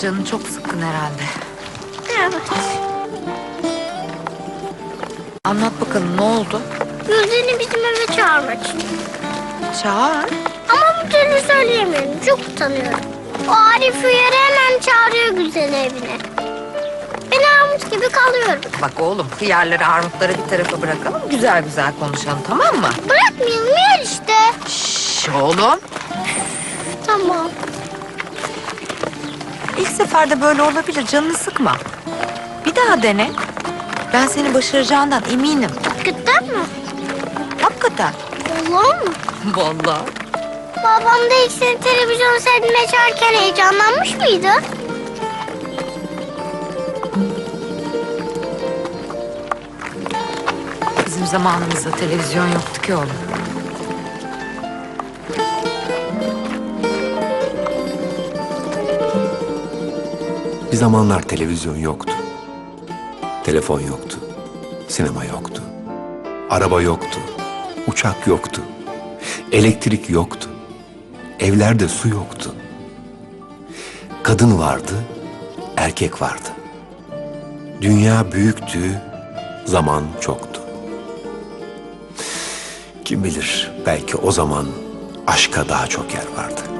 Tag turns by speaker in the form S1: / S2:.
S1: Canın çok sıkkın herhalde.
S2: Evet.
S1: Anlat bakalım, ne oldu?
S2: Gülden'i bizim eve çağırmak için.
S1: Çağır.
S2: Ama bu türlü söyleyemiyorum. Çok utanıyorum. O Arif Uyar'ı hemen çağırıyor Gülden'i evine. Ben armut gibi kalıyorum.
S1: Bak oğlum, hıyarları, armutları bir tarafa bırakalım. Güzel güzel konuşalım, tamam mı?
S2: Bırakmayalım yer işte.
S1: Şşş oğlum.
S2: Tamam.
S1: İlk seferde böyle olabilir, canını sıkma. Bir daha dene. Ben seni başaracağından eminim.
S2: Hakikaten mi?
S1: Hakikaten.
S2: Vallahi mı?
S1: Vallahi.
S2: Babam da ilk seni televizyon seyretmeye çağırırken heyecanlanmış mıydı?
S1: Bizim zamanımızda televizyon yoktu ki oğlum.
S3: Bir zamanlar televizyon yoktu. Telefon yoktu. Sinema yoktu. Araba yoktu. Uçak yoktu. Elektrik yoktu. Evlerde su yoktu. Kadın vardı, erkek vardı. Dünya büyüktü, zaman çoktu. Kim bilir, belki o zaman aşka daha çok yer vardı.